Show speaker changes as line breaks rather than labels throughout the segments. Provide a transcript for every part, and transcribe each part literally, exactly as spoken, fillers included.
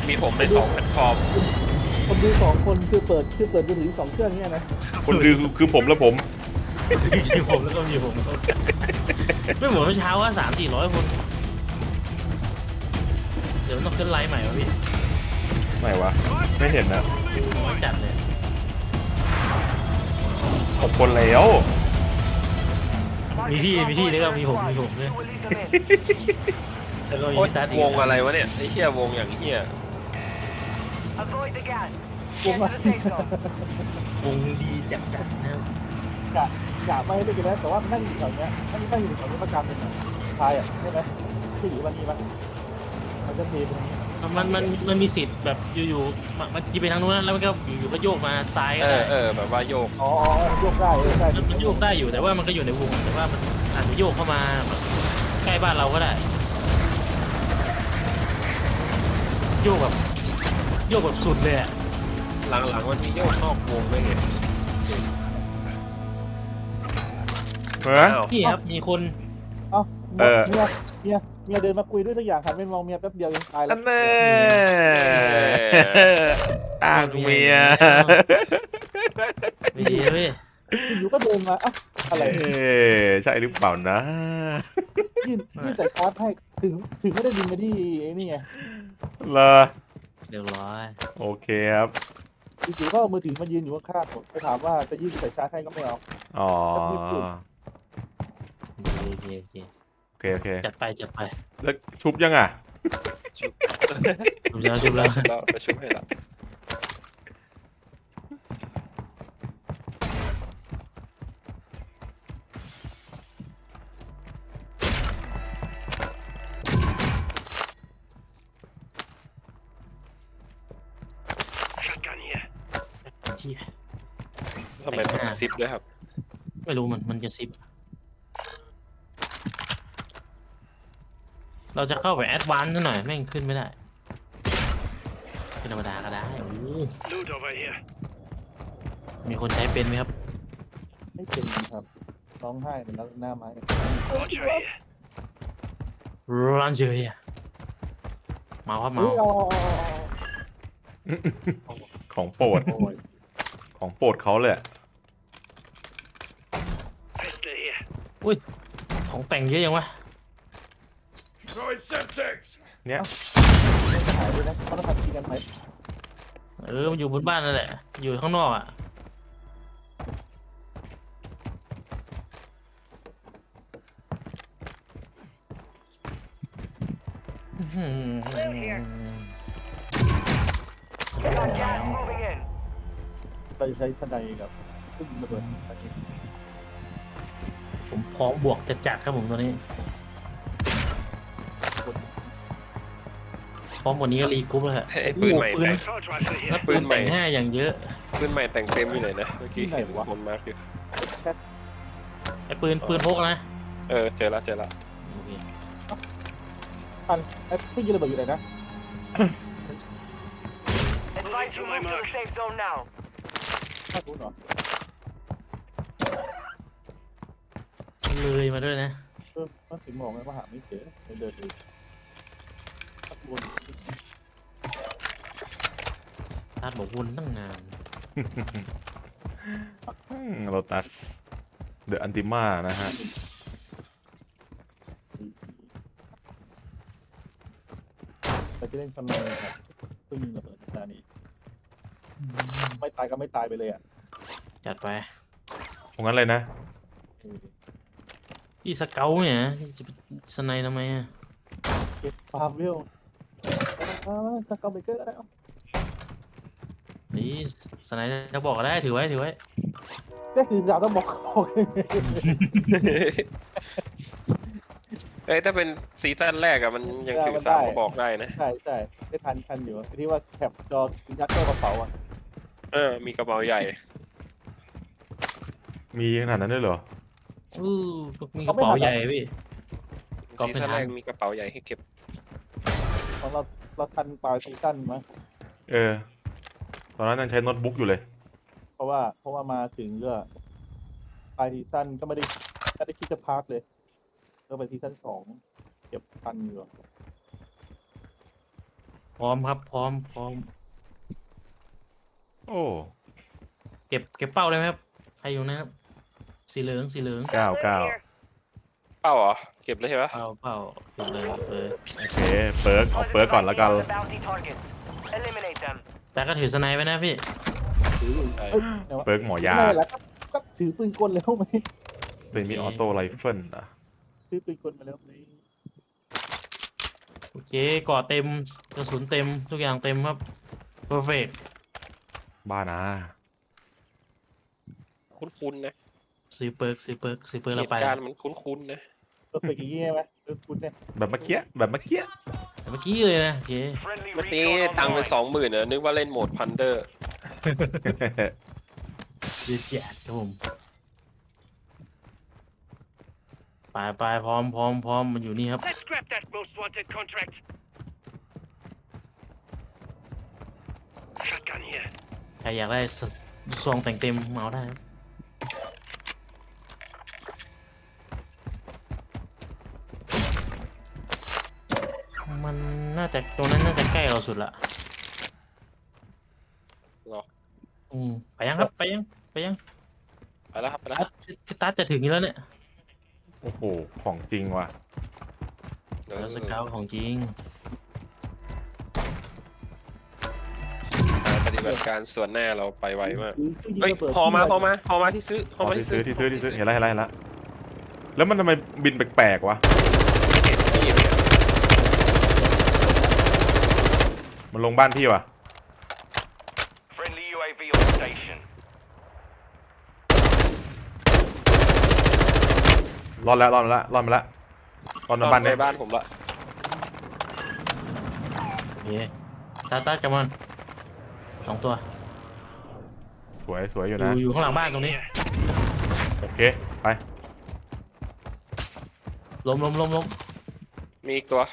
มีผมในสองแพลตฟอร์ม
คนดูสองคนคือเปิดคือเปิดมือถือสองเครื่องเนี่ยนะ
คนคือคือผมและผม
มีผมแล้วก็มีผมไม่เหมือนเมื่อเช้าว่าสามสี่ร้อยคนเดี๋ยวต้องขึ้นไลน์ใหม่วะพี่
ไม่วะไม่เห็นนะ
จัดเลย
หกคนแล้ว
มีพี่มีพี่แล้วก็มีผมมีผมด้วยแล้วก็มีพี่ตัดอีก
วงอะไรวะเนี่ยไอ้เหี้ยวงอย่างเหี้ยว
งมาว
งดีจัดจัดนะครับ
กะกะไม่ได้กินแล้วแต่ว่านั่งอยู่แถวเนี้ยนั่งนั่งอยู่แถวนี้ประจำเลยนะทายอ่ะใช่ไหมที่อยู่วันนี้มั้ยมันจะเทไปทางนี้
มันมันมันมีสิทธิ์แบบอยู่ๆมันจีไปทางนู้นแล้วมันก็อยู่ๆก็โยกมาซ้ายก็
เอ
ได้
อเออแบบว่าโยก
อ๋อโยกได้ใช่
มันโยกได้อยู่แต่ว่ามันก็อยู่ในวงแต่ว่ามันอาจจะโยกเข้ามาใกล้บ้านเราก็ได้โยกแบบโยกแบบสุดเลยอะ
หลังๆมันมีโยกนอกวงด้วยไง
เออ
นี่ครับมีคน
เอ้าเมียเมียเมียเดินมาคุยด้วยทุกอย่างครับไม่มองเมียแป๊บเดียวยังตายแล้ว
แน่อ้างเมีย
ไม่ดีเลย
อยู่ก็เดินมาอ่ะอะไร
ใช่หรือเปล่านะ
ยื่นยื่นใส่คาร์ดให้ถึงถึงไม่ได้บินมาที่นี่ไง
เหรอ
เรียบร้อย
โอเคครับ
จู่ๆก็มือถือมายืนอยู่ข้างๆผมไปถามว่าจะยื่นใส่ชาร์จให้ก็ไม่เอา
อ๋อ
โอเคโอเค
โอเคโอเค
จัดไปจัดไป
แล้วชุบยังอ่ะ
ชุบ
ชุบแล้วชุบแล้ว
เราไปชุบให้ละทำไมต้องซิปด้วยครับ
ไม่รู้มันมันจะซิปเราจะเข้าไปแอดวานซ์หน่อยแม่งขึ้นไม่ได้เป็นธรรมดาก็ได้โอ้มีคนใช้เป็นไหมครับ
ไม่เป็นครับร้องไห้เป็นแล้วหน้าไม้
ร้านเฉยอะเมาครับเมา
ของโปรดของโปรดเขาเลย
อุ้ยของแต่งเยอะยังวะ
เนี่ย
หายไปนะเขาต้องทำทีกันไหม
เออมันอยู่บนบ้านนั่นแหละอยู่ข้างนอกอ่ะ
ไปใช้สไนกับขึ้นระเบิด
ผมพร้อมบวกจะจัดครับผมตอนนี้พร้อมวันนี้ก็รีกรุ๊ปแล้วฮะ
ไอ้ปืนใหม่แต่ง
แล้วปืนแต่งห้าอย่างเยอะ
ปืนใหม่แต่งเต็มอยู่ไหนนะเมื่อกี้เห็นคนมาร์กอยู่
ไอ้ปืนปืนพกนะ
เออเจอละเจอละ
อันไอ้พี่ยิงระเบิดอยู่ไหนนะถ้ารู้เหรอ
เลยมาด้วยนะ
เออมันถึงมองไงว่าหาไม่เจอไม่เดินเลยตัดวน
ตัดบอกวนตั้งนาน
โรตัสเดอะอันติมานะฮะ
เราจะเล่นสมัยครับเพิ่งยิงระเบิดนานี้ไม่ตายก็ไม่ตายไปเลยอ่ะ
จัดไป
ตรงนั้นเลยนะ
อีสเกลเนี่ยจะสไนทำไมอ่ะ
เก็บฟาร์มเวลสเกลเบเกอร์ได้
นี่สไนจะบอกได้ถือไว้ถือไว้
ได้คือเราต้องบอกโอเค
เอ้ยถ้าเป็นซีซั่นแรกอะมันยังถือสามก็บอกได้นะ
ใช่ใช่ได้ทันทันอยู่ที่ว่าแคปจอยัดเข้ากระเป๋าอ่ะ
เออมีกระเป๋าใหญ่
มีขนาดนั้นด้วยเหรอ
อือมีกระเป๋าใหญ่พี่
ซีซั่นแรกมีกระเป๋าใหญ่ให้เก็บ
ของเราเราทันปลายซีซั่นมั้ย
เออตอนนั้นยังใช้โน้ตบุ๊กอยู่เลย
เพราะว่าเพราะว่ามาถึงก็ปลายซีซั่นก็ไม่ได้ไม่ได้คิดจะพักเลยก็ไปซีซั่นสองเก็บทันอยู่
พร้อมครับพร้อมพร้อม
โอ้
เก็บเก็บเป้าได้ไหมครับใครอยู่นะครับสีเหลืองสีเหลือง
เก้าเก้า
เป้าเหรอเก็บเลยใช่ปะ
เป้าเป้าเก็บเลยเก็บเลย
โอเคเปิร์กเอาเปิร์กก่อนแล้วกัน
แต่ก็ถือสไนป์ไว้นะพี่
ถืออยู่
เออ
เอ้ยเดี๋ยว
เปิร์กหมอยา
ไม่เป็นไรก็ก็ถือปืนกลเลยเข้ามา
เป็นมีออโต้ไรเฟิลอ่ะ
ซื้อปืนกลมาแล้วนี่
โอเคเกาะเต็มกระสุนเต็มทุกอย่างเต็มครับเพอร์เฟก
บ้านะ
คุ้นๆนะ
ซื้อเปิร์กซื้อเปิร์กซื้อเปิร์ก
เห
เรา
ตุ
ไป
การณ์มันคุ้นๆนะ
ก็เป็นอย่างงี้ใช่ไหมเออคุณเนี่ย
แบบเมื่อกี้แบบเมื่อกี้
แต่เมื่อกี้เลยนะโอเค
เมื่อกี้ตังค์ไปสองหมื่นเนอะนึกว่าเล่นโหมดพันเดอร์
ดีแจกครับผมไปไปพร้อมพร้อมพร้อมมันอยู่นี่ครับ
Let's grab that most wanted contract. Shotgun here.
ใครอยากได้สซองแต่งเต็มมาเอาได้ครับมันน่าจะตรงนั้นน่าจะใกล้เราสุดละ
เหรอ
อืมไปยังครับไปยังไปยัง
ไปแล้วครับไปแล้ว
ตัดพี่ตัดจะถึงอยู่แล้วเนี่ย
โอ้โหของจริงว่ะ
เดี๋ยว
แล้วสเกาวของจริง
ปฏิบัติการส่วนหน้าเราไปไวมาก
ถือตู้ยิง
เฮ้ย
ระเบิด
พอมาพอมาพอมาที่ซื้อพอมา
ที่
ที่
ซื้
ซื้
อ
อ
ที่ซื้อที่ซื้อเห็นแล้วเห็นแล้วเห็นแล้วแล้วมันทำไมบินแปลกๆวะ
ไม่เห็นไม่เห็นเนี่ย
มันลงบ้านพี่วะ
Friendly U A V on station.
รอดแล้วรอดมาแล้วรอดมาแล้วรอดมาบ้าน
ใน
เนี่ย
บ้านผมละ
โอเคตาตาจัมอนสองตัว
สวยสวยอ
อยู่ ยู่
นะ
อยู่ข้างหลังบ้านตรงนี้
โอเคไป
ล้มล้มล้มล้ม
มีอีกตัว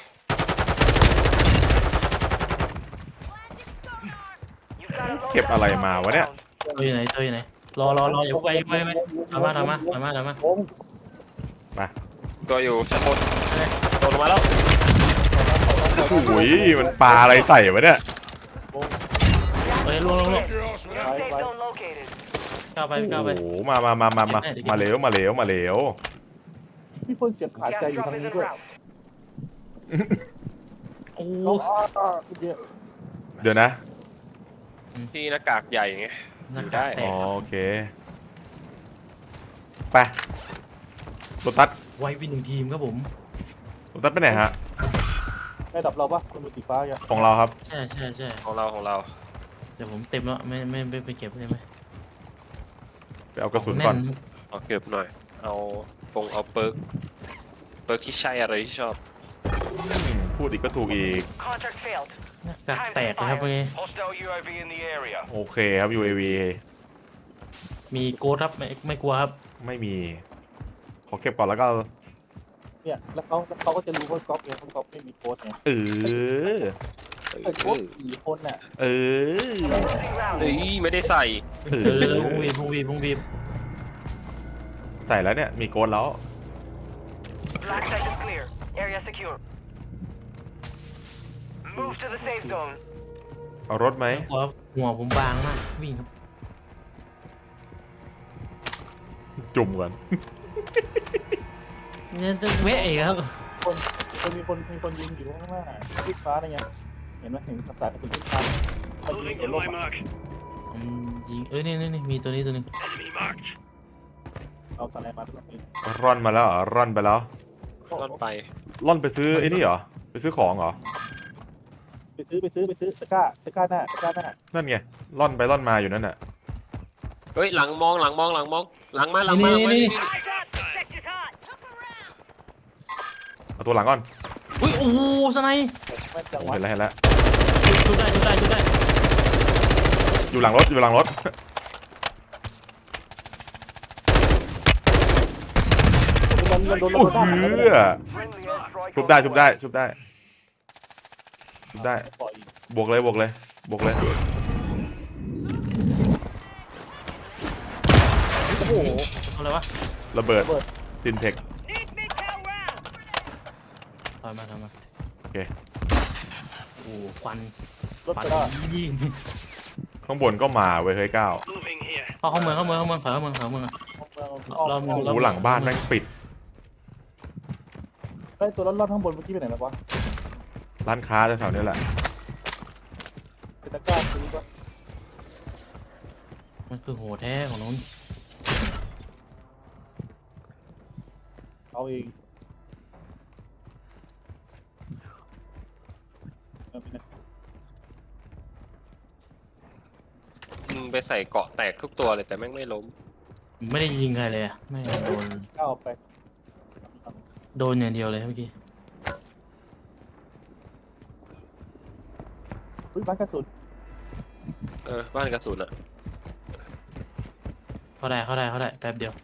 เก็บอะไรมาวะเนี่ย
ตัวอยู่ไหนตัวอยู่ไหนรอรอรออย่าไปอย่าไปอย่าไปทำมาทำมาทำมาทำมา
ผม
ตัวอยู่ชั้นบนโดนลงมาแล้ว
โอ้ยมันปลาอะไรใส่วะเนี่ย
เฮ้ยลงลงลง
ไปไป
ก้าวไปก้าวไป
โอ้โหมามามามามามาเหลวมาเหลวมาเหลว
พี่เพิ่งเสียบขาดใจอยู่ทางนี้ด้วย
โอ้
อ๋ออ๋อเดี๋ยว
เดี๋ยวนะ
ที่หน้ากากใหญ่ไง
หน้า
อยู่
กา
ได้
กแต
อ๋อก โอเคไปรถตัด
ไว้วินหนึ่งทีมครับผม
รถตัดไปไหนฮะ
ได้ดับเราปะคนมือสีฟ้าแก
ของเราครับ
ใช่ใช่ใช่
ของเราของเรา
เดี๋ยวผมเต็มแล้วไม่ไม่ไม่ไปเก็บได้ไหม
ไปเอากระสุนก่อน
แ
เอาเก็บหน่อย เอาฟงเอาเปิร์กเปิร์กที่ใช่อะไรที่ชอบ
พูดอีกก็ถูกอีก
Contract failed.
หน้ากาก
Time
แต
to
กนะครับเมื่อ
fire.
กี้
Hostile U A V in the area.
โอเคครับ ยู เอ วี
มีโกดครับไม่ไม่กลัวครับ
ไม่มี ขอเก็บก่อนแล้วก็
เนี่ยแล้วเขาแล้วเขาก็จะรู้ว่าก๊อฟเองเขาก๊อฟไม่มีโค้ดไง
เออ
แต่โค้ดสี่คนน่ะ
เออ
Closing
เฮ้ย
round.
ไม่ได้ใส่
เอ
เออ
อ
พงวีพงวีพงวี
ใส่แล้วเนี่ย มีโกนแล้ว
Black site is clear. Area secure. Move to the safe zone.
เอารถไหม
ไม่กลัวครับหัวผมบางมากวิ่งครับ
จุ่มก่อน
เนี่ยจะเวะอีกครับ
คนคนมีคนมีคนยิงอยู่ข้างหน้าทิศฟ้านี่ไงเห็นไหมเห็นภาษาเป็นทิศฟ้ามันยิง
Moving
เห็น
to
ลม
my
อะ
mark.
อืมยิงเอ้ยนี่นี่นี่มีตัวนี้ตัวหนึง
Enemy marked.
เอาอะไรมาตรงนี้
ร่อนมาแล้วเหรอร่อนไปแล้ว
รถไป
ร่อนไปซื้อไอ้นี่เหรอ ไปซื้อของเหรอ
ไปซื้อไปซื้อไปซื้อตะกร้าตะกร้าหน้าตะกร้าหน้า
นั่นไง ร่อนไปร่อนมาอยู่นั่นน่ะ
เฮ้ย หลังมองหลังมองหลังมอง หลังมาหลังมาหลังมา
นี่
นี่
Sector's hot.
เอาตัวหลังก่อน
อุ้ยโอ้โหสไนป์
แม่นจัง
โอ้
วะ
เห็นแล้วเห็นแล้ว
ชุดได้ชุดได้ชุดได้
อยู่หลังรถอยู่หลังรถ
มันมันโดนระ
โอ้
เบิด
เหื
ด้านหลัง
อ
Friendly airstrike.
ชุบ
on
ได้
the
ชุบ
way.
ได้ชุบได้ชุบได้
ปล่อยอีก
บวกเลยบวกเลยบวกเลย
โอ้โห
เอาอะไรวะ
ระเบิด
ระเบิด
ซินเทค
Need mid-town round.
ถอยมาถอยมา
โอเค
โอ้ควัน
รถ
ควั
ไป
น
ได้
ยิ่ง
ข้างบนก็มาเว้ยเฮ้ยก้าว
เข้าเข้าเมืองเข้าเมืองเข้าเมืองเข้าเมืองเข้าเมือง
เรา
เรา
โอ้โหหลังบ้านแม่งปิด
ไอ้ตัวรถๆข้างบนเมื่อกี้ไปไหนแล้ววะ
ร้านค้าแถวๆนี้แหละ
เป็นตะกร้าซื้อปะ
มันคือโหแท้ของนู้น
เอาเองเอาไปไหน
มึงไปใส่เกาะแตกทุกตัวเลยแต่แม่งไม่ล้ม
ไม่ได้ยิงใครเลยอะไม่โดน
ก้าวไป
โดนอย่างเดียวเลยเมื่อกี้
อุ้ยบ้านกระสุน
เออบ้านกระสุนอะ
เข้าได้เข้าได้เข้าได้แป๊บเดียว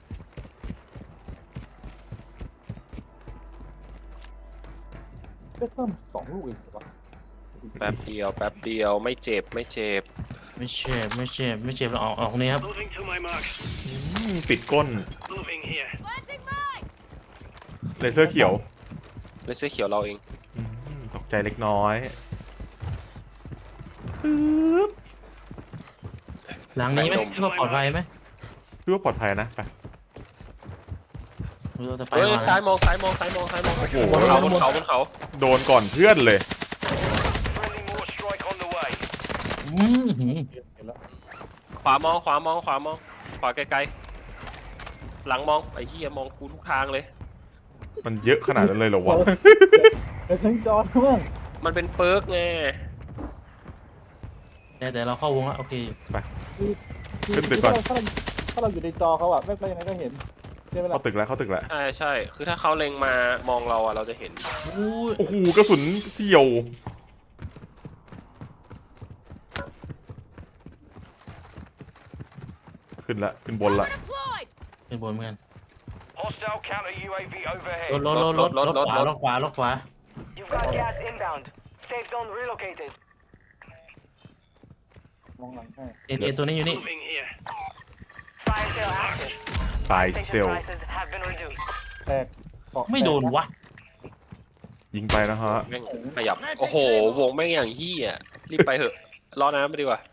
ได้เพิ่มสองลูกเองเหรอวะ
แป๊บเดียวแป๊บเดียวไม่เจ็บไม่เจ็บ
ไม่เจ็บไม่เจ็บไม่เจ็บเราออกออกนี้ครับ
Moving to my mark.
อืมปิดก้น
Moving here.
เลเซอร์เขียว
เลยเสื้อเขียวเราเอง
อืมตกใจเล็กน้อย
หลังนี้ไหมคิดว่าปลอดภัยไหม
คือว่าปลอดภัยนะไป
เราจะไป
เฮ้ย
ก่อน
ซ้าย
นะ
มองซ้ายมองซ้ายมองซ้ายมอง
โอ้โห
บนเขาบนเขาบนเขา
โดนก่อนเพื่อนเลย
Friendly more strike on the way.
อืมหืม
เห็นแล้ว
ขวามองขวามองขวามองขวาไกลๆหลังมองไอ้เหี้ยมองกูทุกทางเลย
มันเยอะขนาดนั้นเลยเหรอวะ
เดี๋ยวทั้งจอทั้งเมือง
มันเป็นเปิร์กไง
แต่แต่เราเข้าวงแล้วโอเค
ขึ้นตึกก่อน
ถ้าเราถ้าเราอยู่ในจอเขาอะไม่เป็นยังไงก็เห็นใช่ไหมล่ะ
เข้าตึกแล้วเข้าตึกแล้ว
ใช่ใช่คือถ้าเขาเล็งมามองเราอะเราจะเห็น
อู้ย
โอ้โหกระสุนเสี่ยวขึ้นละขึ้นบนละ
เป็นบนเหมือนกัน
Hostile counter U A V
ร
overhead.
ถรถรถรถรถรถขวารถขวารถขวา
You've got gas inbound. Safe zone relocated.
มองหลังให้
เอ็นเอ็นตัวนี้อยู่นี่
Moving here.
Fire sale active.
ตาย
Station
เซลล
prices have been reduced.
แตกเกาะ
ไม่โดนวะ
ยิงไปนะฮะ
แม่งขยับโอ้โหวงแม่งอย่างเหี้ยรีบไปเถอะรอน้ำไปดีกว่า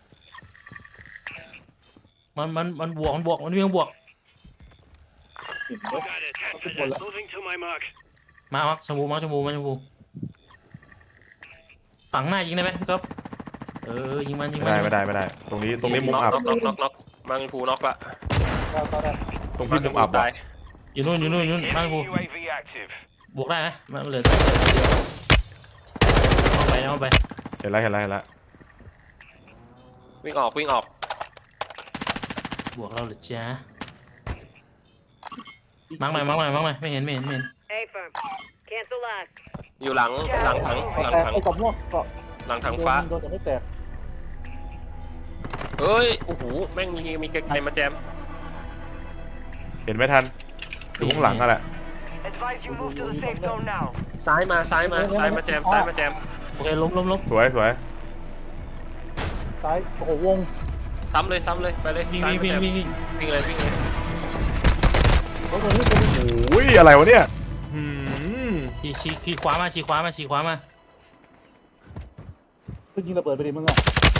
มันมันมันบวกมันบวกมันวิ่งบวก
เห็นไหม
Got it.
Good one.
Moving to my mark.
มามาชมูมาชมูมาชมูฝั่งหน้ายิงได้ไหมพี่ก๊อฟเออยิงมันยิง
ไม่
มัน
ได้ไม่ได้ไม่ได้ ตรงนี้ตรงนี้มุม
น็อก
อับ
น็อกน็อกน็อกน็อกมังพูน็อกละ
ก้าวก้าวได้
ตรงที่มุมอับ
ตา
อ่ะ
ย
อยู่นู่นอยู่นู่นอยู่นู่นมาชมู
Enemy U A V active.
บวกได้ไหมมันเหลือเอาไปเอาไป
เห็นแล้วเห็นแล้วเห็นแล้ว
วิ่งออกวิ่งออก
บวกเราเหรือจ้ามังหน่อยมังหน่อยมังหน่อยไม่เห็นไม่เห็นไม่เห็น
A firm. Cancel last.
อยู่หลังหลังถังหลัง
แตก
ถัง
ไอ้กรอบม่วงเกาะ
หลังถังฟ้า
โดนแต่ไม่แตก
เฮ้ยโอ้โหแม่งมีมีไกลๆมาแจม
เห็นไม่ทันอยู่ข้างหลังอะแหละ
Advise you move to the safe zone now.
ซ้ายมาซ้ายมาซ้ายมาแจมซ้ายมาแจม
โอเคล้มล้มล้ม
สวยสวย
ซ้ายโอ้โหวง
ซ้ำเลยซ้ำเลยไปเลย
วิ่ง
ซ้าย
วิ่ง
มา
วิ่ง
แจม
วิ่งวิ่ง
วิ่งเลยวิ่งเลย
รถตัวนี้ตัวนี้
โอ้ยอะไรวะเนี่ยหืม
ชี้ชี้ชี้ขวามาชี้ขวามาชี้ขวามา
เพิ่งยิงระเบิดไปดิมึงอะ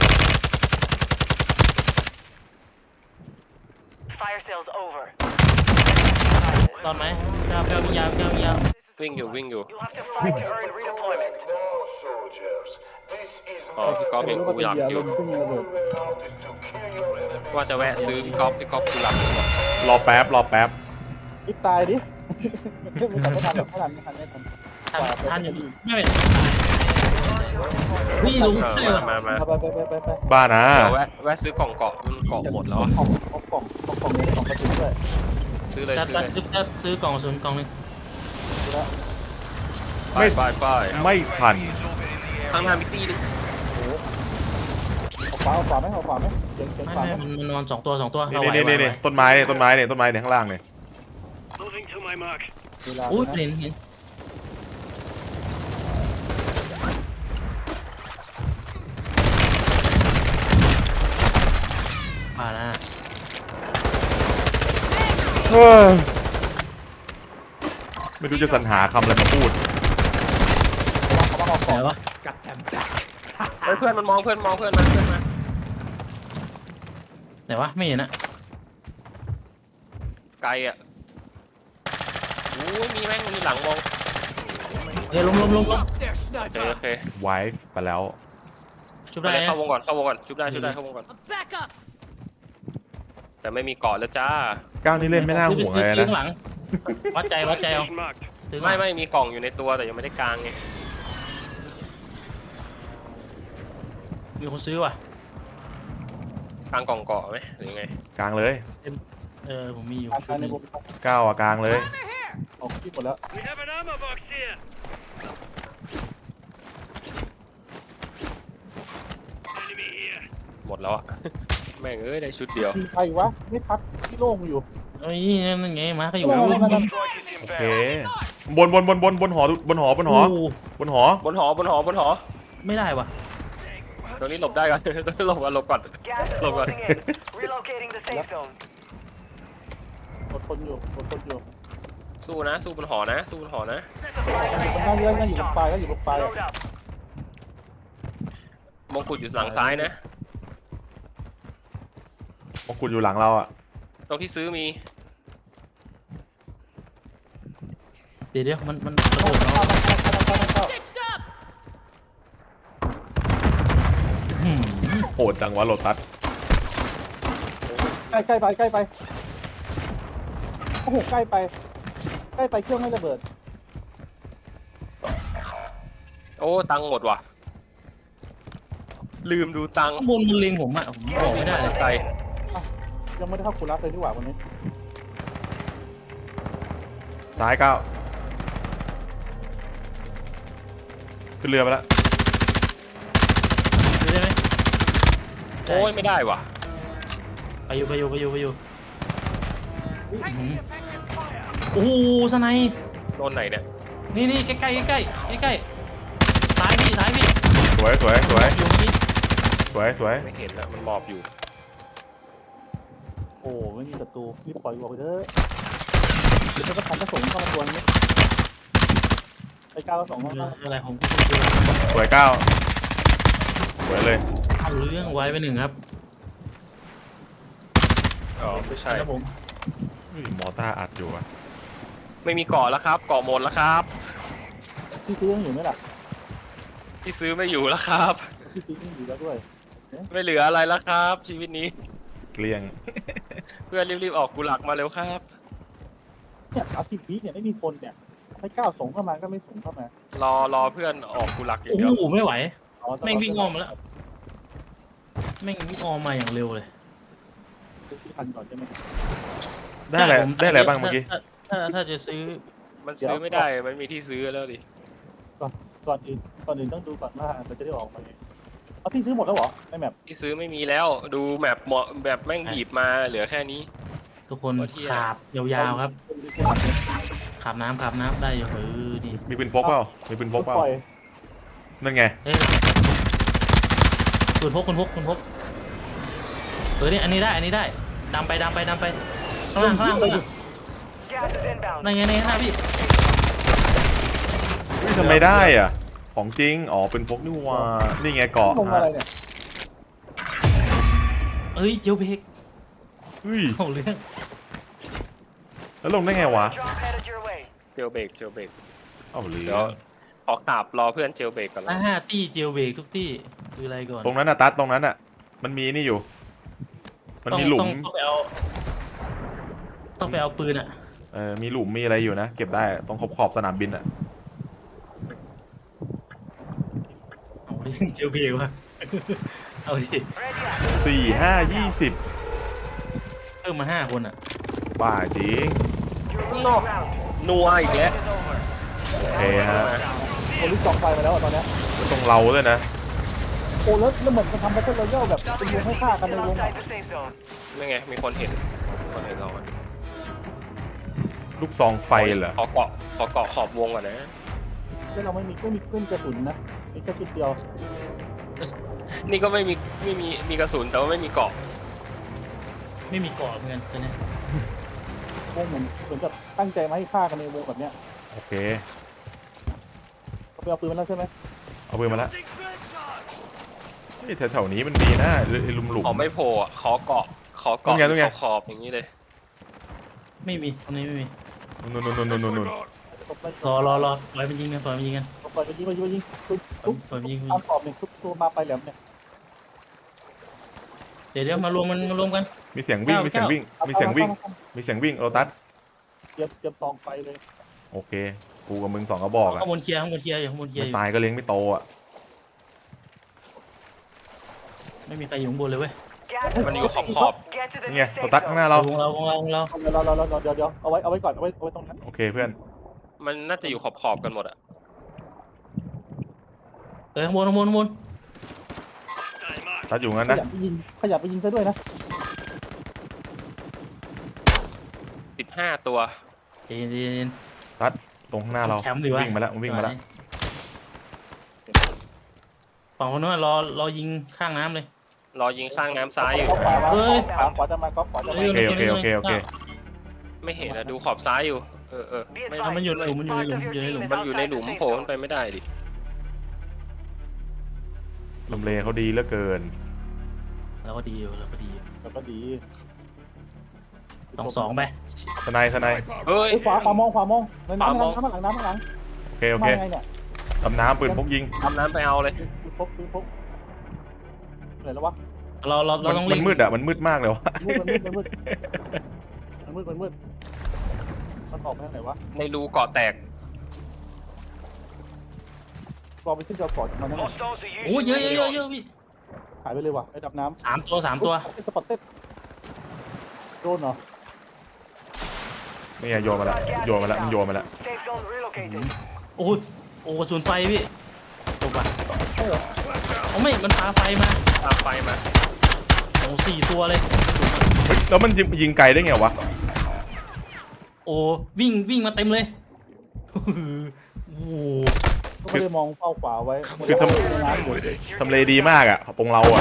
Fire sales over.
ตอนไหมเก้าเก้าวิญญาณเก้าวิญญาณ
วิ่งอยู่วิ่งอยู่
You'll have to fight to earn redeployment.
No, soldiers. This is
อ๋อพี่ก๊อฟเห็นกูหลับอยู่
เพิ่งยิงระเบิด
out is to kill your enemies.
ว่าจะแวะซื้อพี่ก๊อฟพี่ก๊อฟกูหลับอยู่ว่ะ
รอแป๊บรอแป๊บ
รีบตายดิไม่ทันไม่ทันหรอกไม่ทันไม่ทันไม่ทัน
ท่านท่านอยู่ไม่เป็นวิ่งลง
เออ
เสื้อ
มามามา
ไปไปไปไปไป
บ้านะ
เดี๋ยวแวะแวะซื้อกล่องเกาะมันเกาะหมดแล้วอะ
กล่องกล่องกล่องกล่องกล่องนี้กล่องกระสุนด้วย
ซื้อเลย
จะ
ซื้อ
จะ
เลย
จะซื้อกล่องศูนย์กล่องหนึง
ดูแล้ว
ไปไปไป
ไม่ทัน
ทางทางมิตี้นึง
เอาขวาเอาขวาไหมเอาขวาไหมเสียงเสียง
ไม่
ขวา
ไม่
ไหม
มันมันนอนสองตัวสองตัว
นี่
เราไหว
นี่
ไหว
นี่
ไหว
นี่ต้นไม้เนี่ยต้นไม้เนี่ยต้นไม้เนี่ยข้างล่างเนี่ย
Moving to my mark.
เวลา
อุ้ย
นะ
เห็นเห็นมาแล้ว
เฮ้ยไม่รู้จะสรรหาคำอะไรมาพูด
เขามาเอาข
ไห
อน ง
วะ
ฮ้ยเพื่อนมันมองเพื่อนมองเพื่อนมาเพื่อนมา
ไหนวะไม่เห็นอะ
ไกลอ่ะโอ้ยมีแม่งมีหลังมอง
เฮ้ยล้มล้มล้มล้ม
โอเคโอเค
ไวฟ์ไปแล้ว
ชุบ
ไป
ได้
เลย
นะ
เข้าวงก่อนเข้าวงก่อนชุบได้ชุบได้เข้าวงก่อน
Back up.
แต่ไม่มีเกาะแล้วจ้า
ก้าวนี่เล่นไม่น่าห่วงเลย
ซื้อ
นะ
ข้างหลังวัดใจวัดใจเอา
Location marked.
ซื้อ
ไม่ไม่มีกล่องอยู่ในตัวแต่ยังไม่ได้กางไง
มีคนซื้อว่ะ
กางกล่องเกาะไหมหรือยังไง
กลางเลย
เออผมมีอยู่
การ
ชุ
กา
ด
รใน
นี้
วง
ก้าวอะกลางเลย
ออกที่หมดแล้ว
We have an ammo box here. Enemy here.
หมดแล้วอ่ะ แม่งเอ้ยได้ชุดเดียว
มีใครวะไม่พักที่โล่งอยู่
เอ้ยนั่นไงมาเขาอยู่
โอ้โห
Strike is
โอเค
inbound.
บนบนบนบนบนหอบนหอบนหอ
โอ้
บนหอบ
นหอบนหอบนหอ
ไม่ได้ว่ะ
ตรงนี้หลบได้ก่อน ตรงนี้หลบก่อนหลบก่อน
Gas is
Look,
closing in. Relocating the safe zone.
อดทนอยู่อดทนอยู่
สู้นะ สู้บนหอนะ สู้บนหอนะ
Supply
มัน
crate
นั่ง
has
เลื่อนนั่ง
been
อยู่ตรง
restocked.
ปลายก็อยู่ตรงปลาย
Load up.
มงกุฎอยู่หลังซ้ายนะ
มงกุฎอยู่หลังเราอ่ะ
ตรงที่ซื้อมี
เดี๋ยวเดี๋ยวมันมันกระโดด
เข้า
เนาะ
เข้าเข้าเข้าเข้า
Stitched up.
หืม
โหดจังวะโลตัส
ใกล้ใกล้ไปใกล้ไปโอ้โหใกล้ไปใกล้ไปเครื่องไม่ระเบิด
โอ้ตังค์หมดว่ะ ลืมดูตังค์
ข้างบนมันเล็งผมอะผมบอกไม่ได้เลย
ไกล
ยังไม่ได้เข้าคูรับเลยดีกว่าวันนี้
ซ้ายก้าวขึ้นเรือไปแล้ว
ซื้อได้ไหม
โอ้ยไม่ได้ว่ะ
ไปอยู่ไปอยู่ไปอยู่ไปอยู่หืมโอ้โหสไนป์
โดนไหนเนี่ย
นี่นี่ใกล้ใกล้ใกล้ใกล้ใกล้ซ้ายพี่ซ้ายพี่
สวยสวยสวย
อยู่นี่
สวยสวย
ไม่เห็นแล้วมันหมอบอยู่
โอ้ไม่มีศัตรูรีบปล่อยออกไปเถอะเดี๋ยวจะทำกระสงเข้ามาตัวนี้ไอ้ก้าวกระสงเข้ามา
อะไรของ
สวยก้าวสวยเลย
เอาเรื่องไว้ไปหนึ่งครับ
อ๋อไม่ใช่
ครับผม
อุ้ยมอต้าอัดอยู่อ่ะ
ไม่มีเกาะแล้วครับ เกาะหมดแล้วครับ
ที่ซื้อยังอยู่ไหมล่ะ
ที่ซื้อไม่อยู่แล้วครับ
ที่ซื้อยังอยู่แล้วด้วย
ไม่เหลืออะไรแล้วครับ ชีวิตนี้
เกลี้ยง
เพื่อนรีบๆออกกุหลักมาเร็วครับ
เนี่ยสามสิบวิเนี่ยไม่มีคนเนี่ยให้ก้าวส่งเข้ามาก็ไม่ส่งเข้ามาร
อรอเพื่อนออกกุหลักอย่าง
โอ้
เดียว
โหไม่ไหว
อ๋อ
แม่งวิ่งอ้อมมาแล้ว แม่งวิ่งอ้อมมาอย่างเร็วเลย
ซื้อที่ทันก่อนใช่ไหม
ได้อะไร
ผม
ได้อะไรบ้างเมื่อกี้
ถ้าถ้าถ้าจะซื้อ
มันซื้อไม่ได้ มันมีที่ซื้อแล้วดิ
ก่อนอื่นก่อนอื่นต้องดูก่อนว่ามันจะได้ออกมาไงเอาที่ซื้อหมดแล้วเหรอในแมป
ที่ซื้อไม่มีแล้ว ดูแมปเหมาะแบบแม่งบีบมาเหลือแค่นี้
ทุกคน
โอ้เที่ย
ขาบยาวๆครับขาบน้ำขาบน้ำได้อยู่เออดี
มีปืนพกเปล่ามีปืนพกเปล่า
ปล่อย
นั่นไง
เอ้ยคุณพกคุณพกคุณพกเออนี่อันนี้ได้อันนี้ได้ดำไปดำไปดำไปข้างล่างข้างล่างข้างล่าง
Gas is inbound.
นั่นไงในหน้าพี่
เฮ้ยทำไมได้อ่ะ ของจริง อ๋อปืนพกนี่หว่านี่ไงเกาะ
ลงอะไรเนี่ย
เอ้ยเจียวเพก
เฮ้ย
เอาเรื่อง
แล้วลงได้ไงวะ
Drop headed your way.
เจลเบรกเจลเบรก
เอาเหลื
เดี๋
อ
ยวออกกราบรอเพื่อนเจลเบรกก่อน
หน้า
นะ
ห้าตี้เจียวเบรกทุกตี้คืออะไรก่อน
ตรงนั้นน่ะตัดตรงนั้นน่ะ มันมีนี่อยู่ มันมีหลุ
ต้อ
ม
งต้องไปเอาต้องไปเอาปืนอ่ะ
เออมีหลุมมีอะไรอยู่นะ เก็บได้ตรงขอบขอบสนามบินอ่ะ
เอาดิเจียวเบรกวะเอาดิ
Ready up.
สี่ห้ายี่สิบ
เพิ่มมาห้าคนอ่ะ
บ้าจริง
Your
No.
last round.
นัวอีกแล้ว
Is over.
โอเคฮะ
โอ้ลิฟต์จองไฟมาแล้วอะตอนเนี้ย
ตรงเราด้วยนะ
โอ้แล้วแล้วเหมือนมันทำแบทเทิลรอยัลแบบเป็นวงให้ฆ่ากันใน
Still
วง
outside the safe zone.
ไม่ไง มีคนเห็นมีคนเห็นเราอะ
ลูกซองไฟเหรอ
ขอเกาะขอเกาะขอบวงก่อนนะ
แล้วเราไม่มีไม่มีเครื่องกระสุนนะมีแค่ชุดเดียว
นี่ก็ไม่มีไม่มีมีกระสุนแต่ว่าไม่มีเกาะ
ไม่มีเกาะเหมือนกันใช่ไหม
วงเหมือนเหมือนกับตั้งใจมาให้ฆ่ากันในวงแบบเนี้ย
โอเค
เขาไปเอาปืนมาแล้วใช่ไหม
เอาปืนมาแล้วนี่แถวๆนี้มันมีนะไอ้หลุมหลุม
เขาไม่โผล่อะขอเกาะขอ
ตรง
เกาะ
ไงตรงไง
ขอบๆอย่างนี้เลย
ไม่มีตรงนี้ไม่มี
นู่นนู่นนู่นนู่นนู่นนู่น
รอรอรอปล่อยมันยิงกันปล่อยมันยิงกัน
ปล่อยไปยิงไปยิงไปยิงทุบทุบ
ปล่อยมันยิง
ตามขอบเนี่ยทุบตัวมาไปแหลมเนี่ย
เดี๋ยวเดี๋ยวมารวมมันมารวมกัน
มีเสียงวิ่งมีเสียงวิ่งมีเสียงวิ่งมีเสียงวิ่งโรตัส
เตรียมเตรียมซองไฟเลย
โอเคกูกับมึงสองกระบอกอ่ะ
ข้างบนเคลียร์ข้างบนเคลียร์อยู่ข้างบนเคลียร์
ไม่
อยู่
ตายก็เลี้ยงไม่โตอ่ะ
ไม่มีใครอยู่ข้างบนเลยเว้ย
Gas
มันอยู่ขอบขอบ
Get to the
นี่ไง
new
โร
safe
ตัสข้างหน้า
zone.
เรา
วงเราวงเราวงเรา
เดี๋ยวเราเราเราเดี๋ยวเดี๋ยวเอาไว้เอาไว้ก่อนเอาไว้เอาไว้ตรงนั้น
โอเคเพื่อน
ๆมันน่าจะอยู่ขอบขอบๆกันหมดอะ
เออข้างบนข้างบนข้างบน
Stay mark.
ตัดอยู่งั้น
ข
นะ
ยับไปยิงขยับไปยิงซะด้วยนะ
สิบห้าตัว
เย็นเย็นเย็น
ตัดตรงข้างหน้าเรา
แชมป์ดีวะ
วิ่งมาแล้ววิ่งมาแล้ว
ฝั่งคนนู้นรอรอยิงข้างน้ำเลย
รอยิงข้างน้ำซ้ายอยู่
ขวามา
เฮ้ย
ขวาขวาจะมาก็ขวาจะมา
โอเคโอเคโอเคโอเค
ไม่เห็นอะดูขอบซ้ายอยู่ เออเออ
Be
ไม่
advised,
มันอยู่ในหลุมมันอยู่ในหลุม
part of
อยู่ใน
your
หลุม
team is
มันอยู่ในหลุม
outside the
โผล่
safe
ขึ้นไป
zone.
ไม่ได้ดิ
ลำเลเขาดีเหลือเกิน
เราก็ดีอยู่เราก็ดีอยู่
แล้วก็ดี
สองสองไป
สไนด์สไนด์
เฮ้ย
เอ้ยขวาขวามองขวามองในน้ำ
ขวามอง
น้ำข้างหลังน้ำข้างหลัง
โอเคโอเค
มาไงเนี่ย
ดำน้ำปืนพกยิง
ทำน้ำไปเอาเลย
ปืนพกปืนพกไหนแล้ววะ
เราเราเรา
มัน
ต้อง
มั
เล่
น
น
มืดอ่ะมันมืดมากเลยวะ
มันมืดมันมืดมันมืดมันมืดมันมืดมันออกไปทางไหนวะ
ในรูเกาะแตก
กองไปขึ้นเกาะก่อนมันนั่น
Hostiles are
โอ้ย
using
เยอะเยอะเยอะ
radio.
เยอะพี่
หายไปเลยว่ะไอ้ดับน้ำ
สามตัวสามตัว
สปอตเต็ดโดนเหรอ
นี่ไงโยนมาแล้วโยนมาแล้วมันโยนมาแล้ว
Safe zone relocated.
โอ้ยโอ้กระสุนไฟพี่ตกอ่ะ
ใช่เหรอ
เอาไม่มันพาไฟมา
ตามไฟมา
โอ้สี่ตัวเลย
เฮ้ยแล้วมันยิงยิงไกลได้ไงวะ
โอ้วิ่งวิ่งมาเต็มเลยโอ้โห
ก็ไม่ได้มองเป้าขวาไว้
คือทำ
น้ำอยู่
ทำเลดีมากอ่ะตรงเราอ่ะ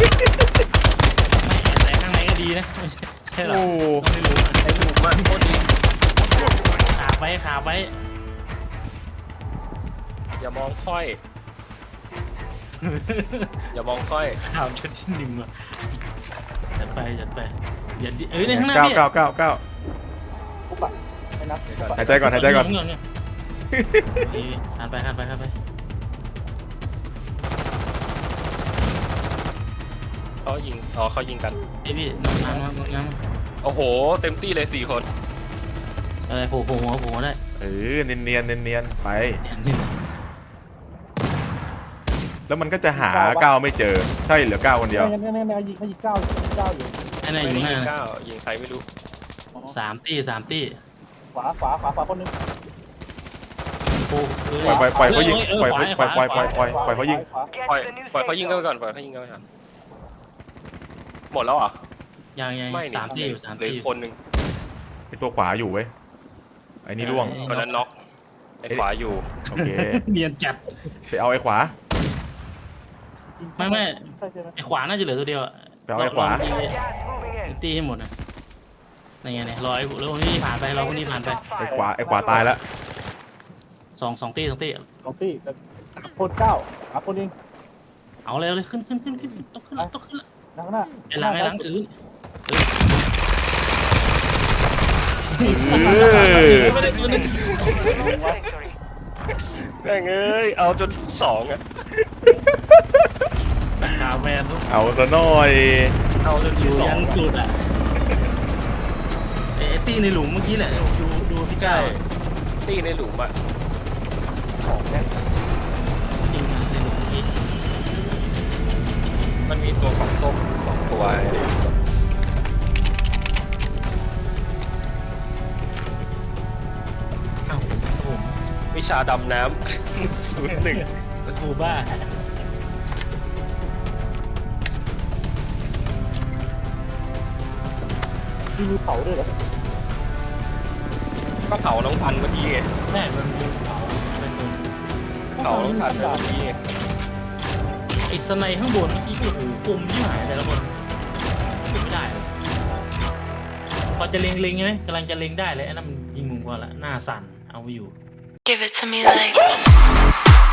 ไม่แต่ข้างในก็ดีนะไม่ใช่ใช่หรอ
โอ้
ต้องไม่รู้อะ
ไอ้หลุมอะโคตรดี
ขาไปขาไป
อย่ามองค่อย อย่ามองค่อย
ข่าวชุดที่หนึ่งอ่ะจัดไปจัดไปอย่าดิเอ้ยในข้างหน้า
เก้า
พี่
เก้าเก้าเก้า
ปุ๊บอะไม่นับ
หายใจก่อนหายใจก่อน
เยเอ้ยหันไปหันไปหันไป
เขายิง อ๋อเขายิงกัน
เอ้ยพี่น้ำน้ำน้ำน้ำ
โอ้โห เต็มที่เลยสี่คน
อะไรโผล่โผล่หัวโผล่หัวได้
เออเนียนเนียนเนียนเนียนๆไป
นี่
แล้วมันก็จะหาเก้าไม่เจอใช่เหลือเก้าคนเดียว
ไม่ไม่ไม่ไม่ยิงไม่ยิงเก้ายิงเก้าอยู่
ไอ้ไหน
ไม่
อยู่
ได้
หน้า
ยิง
นะ
เก้ายิงใครไม่รู้
สามตี้สามตี้
ขวาขวาขวาขวาคนนึง
โอ้เอ้ย
ปล่อยปล่อยปล่อยเขายิง
เออ
ปล่อย
ขวา
ปล่อยปล่อยปล่อย
ข
ปล่
วา
อยปล่อยเขายิง
ขวา
Get
ปล่อย
to the new
ปล่อย
safe
เขายิงกันไป
zone.
ก่อน ปล่อยเขายิงกันไปก่อน หมดแล้วเหรอ่ะ
ยังยัง
ไม่
สามตี้อยู่สาม
เหลือ
ตี้
อีกคนหนึ่ง
ไอตัวขวาอยู่เว้ยไอ้นี่ร่วง
คนนั้นน็อกไอ้ขวาอยู่
โอเค
เนียนจัด
ไปเอาไอ้ขวา
ไม่ไม่
ใช่ใช่ไหม
ไอ้ขวาน่าจะเหลือตัวเดียวอะ
ไปเอาไอ้ขวา
ลงตีเลย
Gas moving in.
ตีให้หมดนะนี่ไงเนี่ยรอไอ้แล้วคนนี้ผ่านไปรอคนนี้ผ่านไป
ไอ้ขวาไอ้ขวาตายแล้ว
สองสองตีสองตี
สองที่แต่สามคนเก้าสามคนเอง
เอาเลยเอาเลยขึ้นขึ้นขึ้นขึ้นต้องขึ้นแล้วต้องขึ้นแล้ว
หน้าหน้า
ไอ้หลังไอ้หลังถือ
เออ
ไม่ได้ตัวนึง
Victory.
แม่งเอ้ย เอาจนที่สองอ่ะ
ราคาแมนทุก
เอาซะหน่อย
เอาจน
อ
ที่
ยู่
สอ
ยั
ง
นสุดอ่ะไอ้ตี้ในหลุมเมื่อกี้แหละดูดูพี่ก้าว
ตีในหลุมอ่ะ
จริงในหลุมเมื่อกี้
มันมีตัวของส้มอยู่สองตัวไอ้
อ้าวผม
วิชาดำน้ำ ศูนย์หนึ่ง
กูบ้า
มีมือเผาด้วยเหรอ
ก็เผาน้องพันธุ์เมื่อกี้ไง
แม่มันมีเผาเป็นคน
เผาน้องพันธุ์เมื่อกี้ไง
ไอ้สไนข้างบนเมื่อกี้โอ้โหกลมยิ่งหายแต่ละคนไม่ได้เลยพอจะเล็งเล็งใช่ไหมกำลังจะเล็งได้เลยไอ้นั่นมันยิงมุมกว่าละหน้าสั่นเอาไม่อยู่
Give it to me like